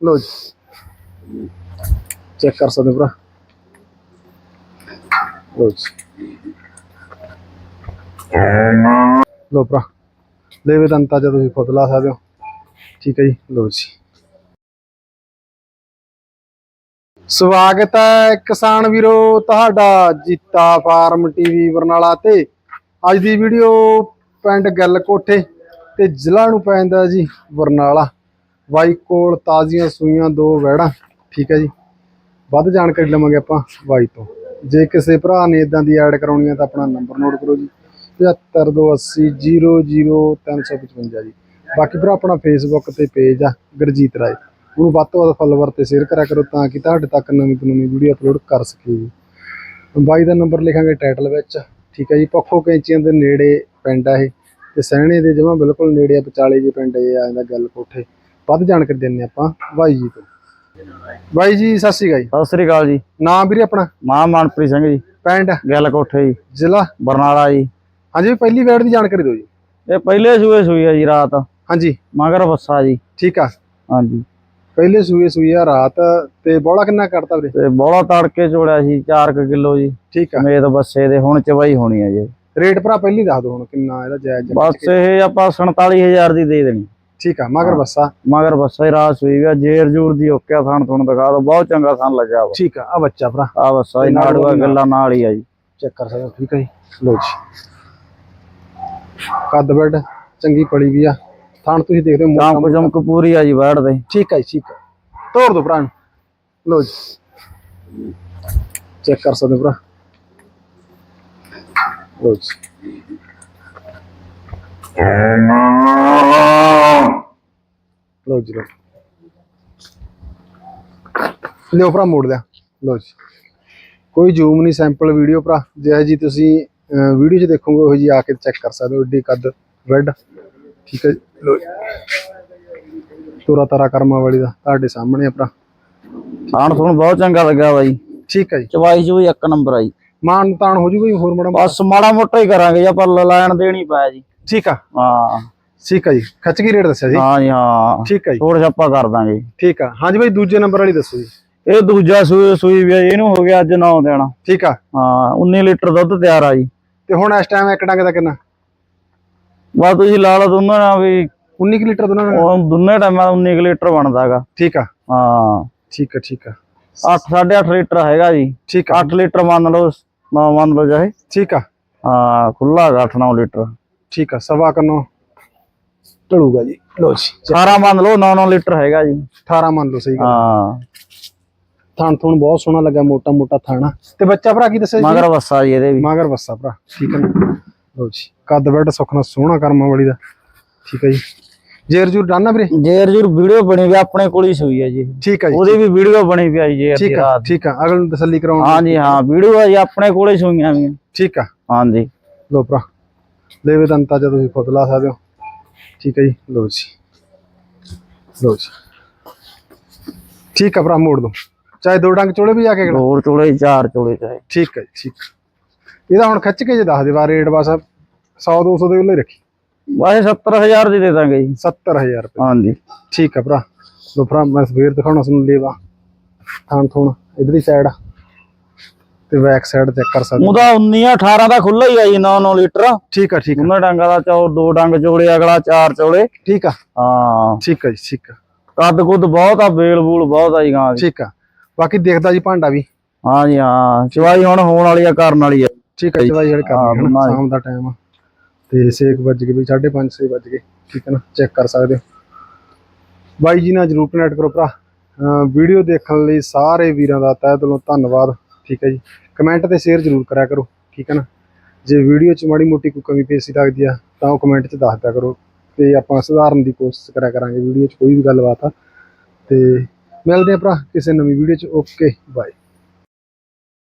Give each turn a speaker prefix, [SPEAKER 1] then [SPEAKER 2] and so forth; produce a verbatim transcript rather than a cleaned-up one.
[SPEAKER 1] लो जी check कर सकते भरा लो जी लो भरा लेवे का अंदाजा तुम खुद ला सकते हो। ठीक है जी लो जी स्वागत है किसान वीरो तुहाडा जीता फार्म टीवी बरनाला ते अज दी वीडियो पिंड गल कोठे ते जिला नूं पैंदा जी बरनाला। बाई कोल ताज़ियां सूइयां दो वैड़ा। ठीक है जी वध जानकारी लवांगे आपां बाई तो। जे किसी भरा ने इदां दी ऐड कराउणी है तो अपना नंबर नोट करो जी पचहत्तर दो अस्सी जीरो जीरो तीन सौ पचवंजा जी। बाकी भरा अपना फेसबुक ते पेज आ गुरजीत राय उन्होंने वध तो वध फॉलोवर ते शेयर करा करो ताकि तुहाडे तक नवीं तो नवीं वीडियो अपलोड कर सके जी। बाई का नंबर लिखांगे टाइटल विच। ठीक है जी पक्खो कैंचियां दे नेड़े पिंड है ते सैहणे दे जमां बिल्कुल नेड़े विचाले जी पिंड ये आ जांदा गल कोठे। वध जानकारी दिंदे आपां बाई जी तो। बाई जी सत श्री अकाल।
[SPEAKER 2] सत श्री अकाल जी।
[SPEAKER 1] नाम वीरे अपना?
[SPEAKER 2] मां मनप्रीत सिंह जी
[SPEAKER 1] पिंड
[SPEAKER 2] गल कोठे जी
[SPEAKER 1] जिला
[SPEAKER 2] बरनाला जी।
[SPEAKER 1] हाँ जी पहली वैड़ की जानकारी दो जी।
[SPEAKER 2] ये पहले सूए सूई है जी रात।
[SPEAKER 1] हाँ जी
[SPEAKER 2] मगर बस्सा जी।
[SPEAKER 1] ठीक है
[SPEAKER 2] हाँ जी
[SPEAKER 1] पहले सूए सूई है रात ते बौला किन्ना करता वीरे?
[SPEAKER 2] ते बौला तड़के चोड़िया सी चार किलो जी।
[SPEAKER 1] ठीक है
[SPEAKER 2] समेत बस्से दे हुण चवाई होनी है जी।
[SPEAKER 1] रेट भरा पहली दस दो हुण किन्ना इहदा जायज?
[SPEAKER 2] बस ये आपां सैंताली हजार दी दे देनी।
[SPEAKER 1] ठीक है मगर बस्सा
[SPEAKER 2] मगर बस्सा ही रात सूई है जेर जूर दी ओके थान थुन दिखा दो बहुत चंगा थान लग्या वा।
[SPEAKER 1] ठीक है आ बच्चा भरा
[SPEAKER 2] आ बस्सा ही नाड़ूआ गल्ला नाल ही है जी।
[SPEAKER 1] चेक कर सकते हो। ठीक है जी लो जी कद बैड चंगी पड़ी भी आ थान तुसीं देखदे हो
[SPEAKER 2] चमक चमक पूरी है जी बैठ दे।
[SPEAKER 1] ठीक है ठीक है तोड़ दो भरा लो जी चेक कर सकते भरा लो जी लो जी लो लियो भरा मोड़ लिया लो जी कोई जूम नहीं सैंपल वीडियो भरा जो जी तुसी वीडियो च देखोगे वो जी आके चेक कर सकते हो एडी कद वैड। ठीक है लो तुरा तारा कर्मा वाली का तुहाडे सामने भरा
[SPEAKER 2] थान थुन बहुत चंगा लग्या वा जी।
[SPEAKER 1] ठीक है जी
[SPEAKER 2] चवाई चुई एक नंबर आई।
[SPEAKER 1] मान तान हो जूगा होर माड़ा
[SPEAKER 2] बस माड़ा मोटा ही करांगे या पर लैन देनी पाया जी।
[SPEAKER 1] ठीक है
[SPEAKER 2] हाँ
[SPEAKER 1] ठीक है जी खच की रेट दस्या जी?
[SPEAKER 2] हाँ जी हाँ
[SPEAKER 1] ठीक है जी
[SPEAKER 2] थोड़ा छापा कर दांगे।
[SPEAKER 1] ठीक है हाँ जी भाई दूजे नंबर वाली दसो जी।
[SPEAKER 2] ਇਹ ਦੂਜਾ ਸੂਈ ਸੂਈ ਵੀ ਇਹਨੂੰ ਹੋ ਗਿਆ ਅੱਜ नौ ਦਿਨ।
[SPEAKER 1] ठीक है
[SPEAKER 2] ਹਾਂ उन्नीस ਲੀਟਰ ਦੁੱਧ ਤਿਆਰ ਆ ਜੀ।
[SPEAKER 1] ਤੇ ਹੁਣ ਇਸ ਟਾਈਮ ਇੱਕ ਡੰਗ ਦਾ ਕਿੰਨਾ?
[SPEAKER 2] ਬਸ ਤੁਸੀਂ ਲਾ ਲਓ ਦੋਨਾਂ ਨਾਲ ਵੀ
[SPEAKER 1] उन्नीस ਲੀਟਰ ਦੋਨਾਂ ਦਾ?
[SPEAKER 2] ਉਹ ਦੋਨੇ ਟਾਈਮਾਂ ਦਾ उन्नीस ਲੀਟਰ ਬਣਦਾਗਾ।
[SPEAKER 1] ठीक है
[SPEAKER 2] ਹਾਂ
[SPEAKER 1] ठीक है ठीक है
[SPEAKER 2] ਅੱਠ ਸਾਢੇ ਅੱਠ ਲੀਟਰ ਹੈਗਾ ਜੀ।
[SPEAKER 1] ठीक है
[SPEAKER 2] ਅੱਠ ਲੀਟਰ ਮੰਨ ਲਓ ਨੌ ਮੰਨ ਲਓ ਚਾਹੇ।
[SPEAKER 1] ठीक है
[SPEAKER 2] ਹਾਂ ਖੁੱਲਾ ਹੈਗਾ ਅੱਠ ਨੌ ਲੀਟਰ।
[SPEAKER 1] ठीक है सवा कनो ढलूगा जी लो जी
[SPEAKER 2] ਅਠਾਰਾਂ ਮੰਨ ਲਓ नौ नौ लीटर ਹੈਗਾ ਜੀ।
[SPEAKER 1] अठारह मान लो सही गल।
[SPEAKER 2] ਹਾਂ
[SPEAKER 1] थान थुन बहुत सोहना लगा मोटा मोटा थाना ते बच्चा भरा की दस्या जी?
[SPEAKER 2] ਮਗਰ ਬੱਸਾ ਜੀ ਇਹਦੇ ਵੀ।
[SPEAKER 1] मगर बस्सा भरा ठीक है ना लो जी कद बैड सुखना सोहना कर्मा वाली दा। ठीक है जी जेर जूर डालना वीरे?
[SPEAKER 2] ਜੇਰ ਜੂਰ ਵੀਡੀਓ ਬਣੀ ਵੀ ਆਪਣੇ ਕੋਲ ਹੀ ਸੂਈ ਹੈ ਜੀ।
[SPEAKER 1] ठीक है जी
[SPEAKER 2] ਉਹਦੀ ਵੀ ਵੀਡੀਓ ਬਣੀ ਵੀ ਆਈ ਜੇਰ ਦੀ
[SPEAKER 1] ठीक है
[SPEAKER 2] ਰਾਤ।
[SPEAKER 1] ठीक है अगले तसल्ली कराउण
[SPEAKER 2] हाँ जी हाँ वीडियो है जी अपने कोले सुइयां भी।
[SPEAKER 1] ठीक है
[SPEAKER 2] हाँ जी
[SPEAKER 1] लो भरा लेवे का अंदाजा तुसीं खुद ला सकते हो। ठीक है जी लो जी लो जी ठीक है भरा मोड़ दो चाहे दो डंग चोले भी आके
[SPEAKER 2] दो चोले चार चोले चाहे।
[SPEAKER 1] ठीक है ठीक ਇਹਦਾ ਹੁਣ ਖਿੱਚ ਕੇ ਜੇ ਦੱਸ ਦੇ ਵਾ ਰੇਟ ਬਸ सौ दो सौ ਦੇ ਉੱਲੇ ਰੱਖੀ।
[SPEAKER 2] बस सत्तर हजार ਦੀ ਦੇ ਦਾਂਗੇ ਜੀ।
[SPEAKER 1] सत्तर हजार रुपये
[SPEAKER 2] हाँ जी
[SPEAKER 1] ठीक है भरा लो भरा मैं सवेर दिखाना सुन लेवा थान थुन इधर ही साइड ते बैक साइड चेक कर सकते
[SPEAKER 2] ਉਹਦਾ उन्नीस अठारह ਦਾ ਖੁੱਲਾ ਹੀ ਆ ਜੀ नौ नौ लीटर।
[SPEAKER 1] ठीक है ठीक है
[SPEAKER 2] ਉਹਨਾਂ ਡੰਗਾ ਦਾ ਚੌ ਦੋ ਡੰਗ ਚੋਲੇ ਅਗਲਾ ਚਾਰ ਚੋਲੇ।
[SPEAKER 1] ठीक है
[SPEAKER 2] ਹਾਂ
[SPEAKER 1] ठीक है जी ठीक है
[SPEAKER 2] ਕੱਦ ਕੁੱਦ ਬਹੁਤ ਆ ਬੇਲ ਬੂਲ ਬਹੁਤ ਆ ਜੀ ਗਾਂ ਦੀ।
[SPEAKER 1] ठीक है बाकी देखदा जी भांडा भी।
[SPEAKER 2] हाँ जी हाँ ਚਵਾਈ ਹੁਣ ਹੋਣ ਵਾਲੀ ਆ ਕਰਨ ਵਾਲੀ ਆ।
[SPEAKER 1] ठीक है चवाई जेड करनी है ना शाम का टाइम आ ते छे बज गए भी साढ़े पाँच छे बज गए। ठीक है ना चेक कर सकते हो बाई जी ना जरूर कनैक्ट करो भरा। वीडियो देखने लिए सारे वीरों का तह दिलों धन्नवाद। ठीक है जी कमेंट ते शेयर जरूर करा करो। ठीक है ना जे वीडियो च माड़ी मोटी कोई कमी पेशी लगती है तो कमेंट च दस दिया करो तो आपां सुधारन की कोशिश करा करांगे वीडियो च कोई भी गलबात आ। ते मिलते हैं भरा किसी नवीं वीडियो च। Okay bye.